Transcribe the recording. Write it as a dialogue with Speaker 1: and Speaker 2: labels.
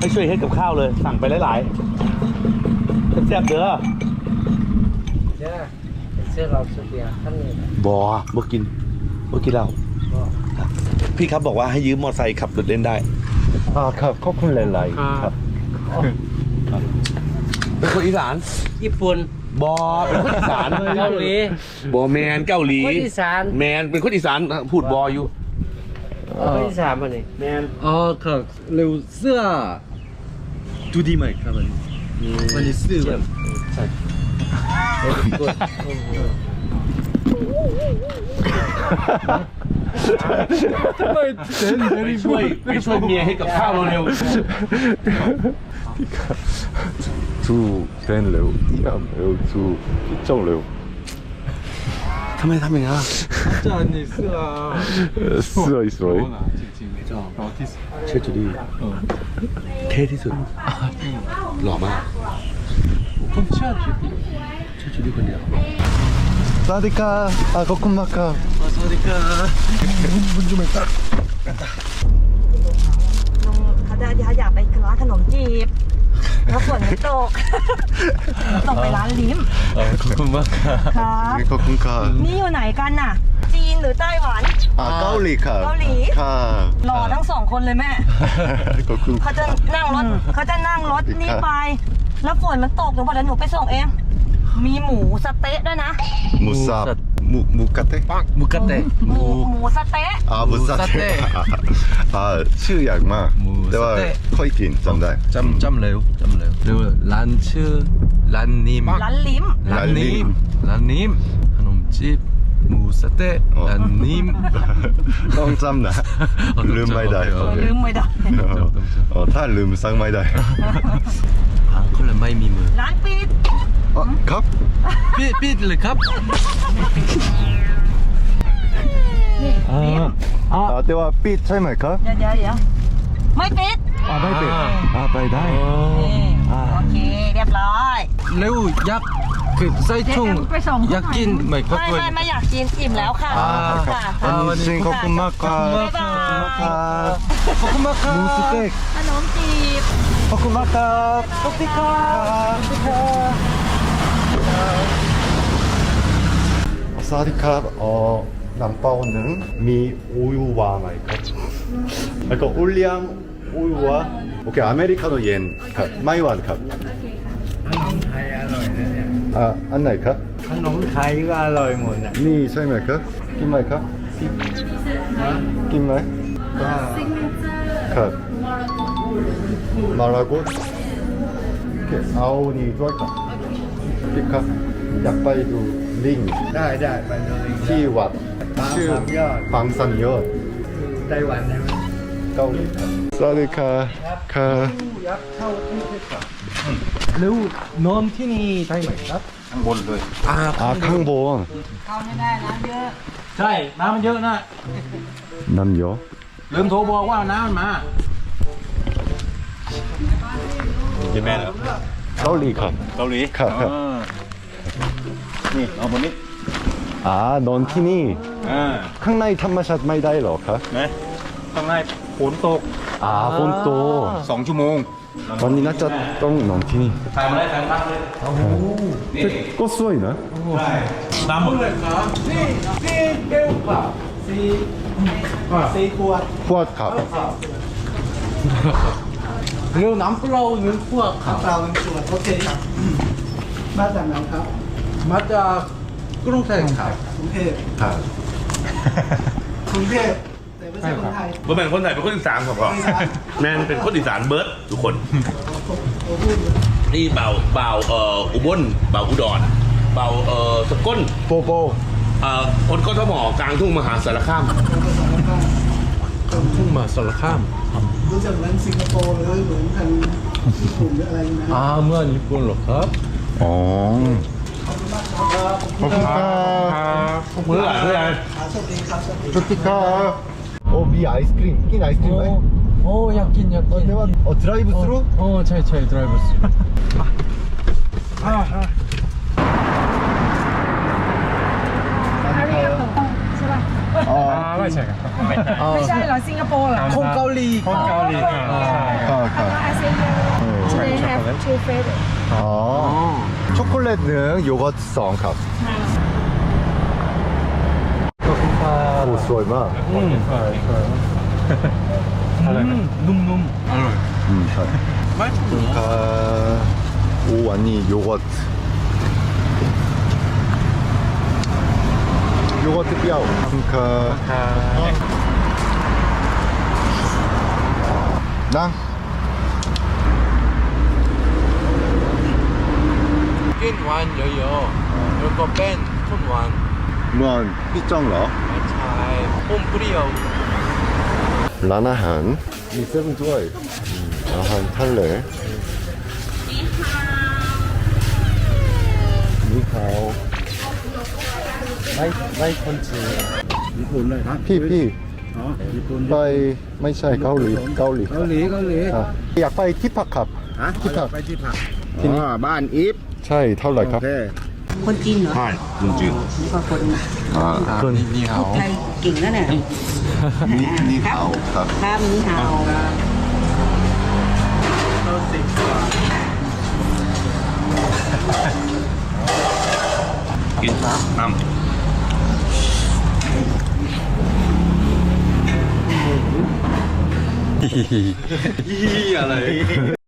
Speaker 1: ให้ช่วยเฮ็ดกับข้าวเลยสั่งไปหลายๆแซ่บๆเด้อ
Speaker 2: เด้อเสื้อเราสุดเดียวท่านเลย
Speaker 1: บ่กินเหล้าพี่ครับบอกว่าให้ยืมมอเตอร์ไซค์ขับรถเล่นได้
Speaker 3: ครับขอบคุณหลายๆครับ
Speaker 1: เป็นคนอีสาน
Speaker 2: ญี่ปุ่น
Speaker 1: เป็นคนอีสาน
Speaker 2: เกาหลี
Speaker 1: แมนเกาหลี
Speaker 2: คนอีสาน
Speaker 1: แมนเป็นคนอีสานพูดอยู่
Speaker 2: คนอีสานมานี่
Speaker 1: แมน
Speaker 3: ครับเร็วเสื้อดูดีไหมครับวันนี้เสื้อ
Speaker 2: ใช่กด
Speaker 3: ทำไมเต้น
Speaker 1: ไปช่วยเมียให้กับข้าวเร็ว
Speaker 3: ดูเต้นเร็วเยี่ยมเร็วดูพิจารณาเร็ว
Speaker 1: ทำไมทำอย่างนั้น
Speaker 3: จานนี้เสื้อสวยสวย
Speaker 1: เชื่อจูดี้เท่ที่สุดหล่อมาก
Speaker 3: ผมเชื่อจูดี้
Speaker 1: เชื่อจูดี้คนเดียว
Speaker 3: สวัสดีครับขอบคุณมากครับสวัสดีครับบุญจุเมตตา
Speaker 4: เขาจะอยากไปร้านขนมจีบแล้วฝนไม่ตก ต้องไปร้านลิ้ม
Speaker 3: ขอบคุณมากครับ
Speaker 4: ครับ
Speaker 3: ขอบคุณครับ
Speaker 4: นี่อยู่ไหนกันน่ะ จีนหรือไต้หวัน
Speaker 3: เกาหลีครับ
Speaker 4: เกาหลี
Speaker 3: ครับ
Speaker 4: รอทั้งสองคนเลยแม่
Speaker 3: ขอบคุณ
Speaker 4: เขาจะนั่งรถนี่ไป แล้วฝนมันตกหนูบอกเดี๋ยวหนูไปส่งเอง มีหมูสะเต๊ะด้วยนะ
Speaker 3: หมูสับหมูกระเตะ
Speaker 2: มุกเตะ
Speaker 4: หมูสะเต๊ะ
Speaker 3: หมูสับชื่อยากมากแต่ว่าค่อยกินจำได้
Speaker 5: จำเร็วเร็วร้านชื่อร้านนิม
Speaker 4: ร้านลิ้ม
Speaker 5: ร้านนิมขนมจีบหมูสะเต๊ะร้านนิม
Speaker 3: ต้องจำนะลืมไม่ได้
Speaker 4: ลืมไม่ได้
Speaker 3: ถ้าลืมสั่งไม่ได้
Speaker 5: คนละไม่มีมือ
Speaker 4: ร้านปิด
Speaker 3: ครับ
Speaker 5: ปิดเลยครับ
Speaker 4: นี่ลิ้ม
Speaker 3: แต่ว่าปิดใช่ไหมครับ
Speaker 4: เดี๋ยวไม่ปิด
Speaker 3: ไม่ปิดไปได้
Speaker 4: นี่โอเคเรียบร้อย
Speaker 5: เร็วยักษ์คือใส่ถุง
Speaker 4: ไปส่ง
Speaker 5: อยากกินไหมครับ
Speaker 4: ไม่อยากกินอิ่มแล้วค่ะค่ะ
Speaker 3: วันนี้ขอบคุณมากครับ
Speaker 4: บ๊ายบาย
Speaker 3: ขอบคุณมากครับหมูสเต็ก
Speaker 4: ขนมจีบ
Speaker 3: ขอบคุณมากครับขอบคุณครับสวัสดีครับน้ำเปล่าหนึ่งมีอุยวาไหมครับแล้วก็อุเลียมอุยวาโอเคอเมริกาโน่เย็นครับไม่หวานครับขนมไทยอร่อยนะเนี่ยอันไหนครับ
Speaker 2: ขนมไทยก็อร่อยหมดอ่ะ
Speaker 3: นี่ใช่ไหมครับกินไหมครับกินไหมครับมาลาโกโอเคเอานี่ด้วยครับพี่ครับอยากไปดูลิง
Speaker 2: ได้ไปเลย
Speaker 3: ที่วัดชื่อ
Speaker 2: ยอด
Speaker 3: บางสันยอด
Speaker 2: ไต้หวันใช่ไหม
Speaker 3: เกาหลีครับสวัสดีครับครับ
Speaker 5: เร็วนอนที่นี่ได้ไหมครับ
Speaker 3: ข้างบนเลยข้างบน
Speaker 4: เข้าไม่ได้น้ำเยอะ
Speaker 1: ใช่น้ำมันเยอะนะ
Speaker 3: น้ำเยอะ
Speaker 1: ลืมโทรบอกว่าน้ำมันมากินแม่เหรอ
Speaker 3: เกาหลีครับ
Speaker 1: เกาหลี
Speaker 3: ครับ
Speaker 1: นี่เอาบนนี้
Speaker 3: นอนที่นี่
Speaker 1: Ah.
Speaker 3: ข้างในธรรมชาติไม่ได้หรอครับ
Speaker 1: นะข้างในฝนตก
Speaker 3: ฝนตก
Speaker 1: 2 ชั่วโมง
Speaker 3: วันนี้น่าจะต้องนอนที่นี่
Speaker 1: ถ่ายมาได้ถ่ายมาเลย
Speaker 3: แต่ก็สวยนะ
Speaker 1: น้ำหมดเลยครับสี่ขวด
Speaker 3: พวดครับ
Speaker 2: เร็วน้ำเปล่าหนึ่งขวดครับ
Speaker 6: เราเป็นส่วนโอเคครับมาจากไหนครับ
Speaker 2: มาจากกรุงเทพครับ
Speaker 6: กรุงเทพ
Speaker 3: ครับ
Speaker 6: กรุงเทพแต่ไม่ใช่คนไทย
Speaker 1: เบิร์ดเป็นคนไทยเป็นคนอีสานครับพ่อแมนเป็นคนอีสานเบิร์ดทุกคนนี่เบาอุบลเบาอุดรเบาสกล
Speaker 3: โปโป
Speaker 1: คนกทมกลางทุ่งมหาสารคาม
Speaker 5: ทุ่งมาสารคาม
Speaker 6: รู้จักเหมือนสิงคโปร์หรือเหมือนทางญี่ปุ่นหรืออะไรนะ
Speaker 5: เมื่อญี่ปุ่นเหรอครับ
Speaker 3: อ๋อขอบคุณครับ
Speaker 1: มือหลายเพื่อน
Speaker 6: โชคดีครับ
Speaker 3: สวัสดีครับมีไอศครีมกินไอศครีมไหม
Speaker 5: โอ้อยากกิน
Speaker 3: แต่ว่าดライブスルー
Speaker 5: ใช่ดライブสรุป
Speaker 2: ไม่ใช่ครับ
Speaker 4: ไม่ใช่เหรอสิงคโปร์เหรอ
Speaker 5: คนเกาหลี
Speaker 2: คนเกาหลีใช่
Speaker 4: They have two favorite
Speaker 3: 아, 초콜릿 능 요거트 성ครับ 오, 스와이 마.
Speaker 2: ใช่ใช่อะไรนะ
Speaker 5: นุ่มๆอร่อย
Speaker 3: 잘.
Speaker 5: ไม่ถูก
Speaker 3: 가, 오, 아니, 요거트. 요거트 뼈. 가,
Speaker 2: ค่ะ
Speaker 3: 랑.
Speaker 5: กินหวานเยอะๆแล้วก็เป็นข้นหวาน
Speaker 3: 무한 삐정러.
Speaker 5: ไม่ใช่อมเปรี้ยว
Speaker 3: 라나한. 이 세븐 좋아해. 라한 탈레. 니하오.
Speaker 2: ไม่คนจีน
Speaker 6: ญี่ปุ่นเลยครับ
Speaker 3: 피피.
Speaker 6: อ๋อญี่ปุ่น
Speaker 3: 빠이, 마이샤이, 가올리, 가올리.
Speaker 6: เกาหลีเกาหลี
Speaker 3: 아, 약 빠이 티파캅.
Speaker 6: ฮะ
Speaker 3: ที่ผัก
Speaker 6: ไปที่ผักอ๋อบ้านอีฟ
Speaker 3: 차이 털라이
Speaker 6: โอ
Speaker 3: 캅.
Speaker 6: เค
Speaker 7: คนจีนเหรอ
Speaker 1: ใช่จริง
Speaker 7: นี่ก็คน
Speaker 3: 아,
Speaker 5: นี่เหา
Speaker 7: ไทยเก่งแล้วเนี่ย
Speaker 3: 니하오.
Speaker 7: ครับนี่ฮาว
Speaker 1: ๆกินน้ำ
Speaker 5: อะไร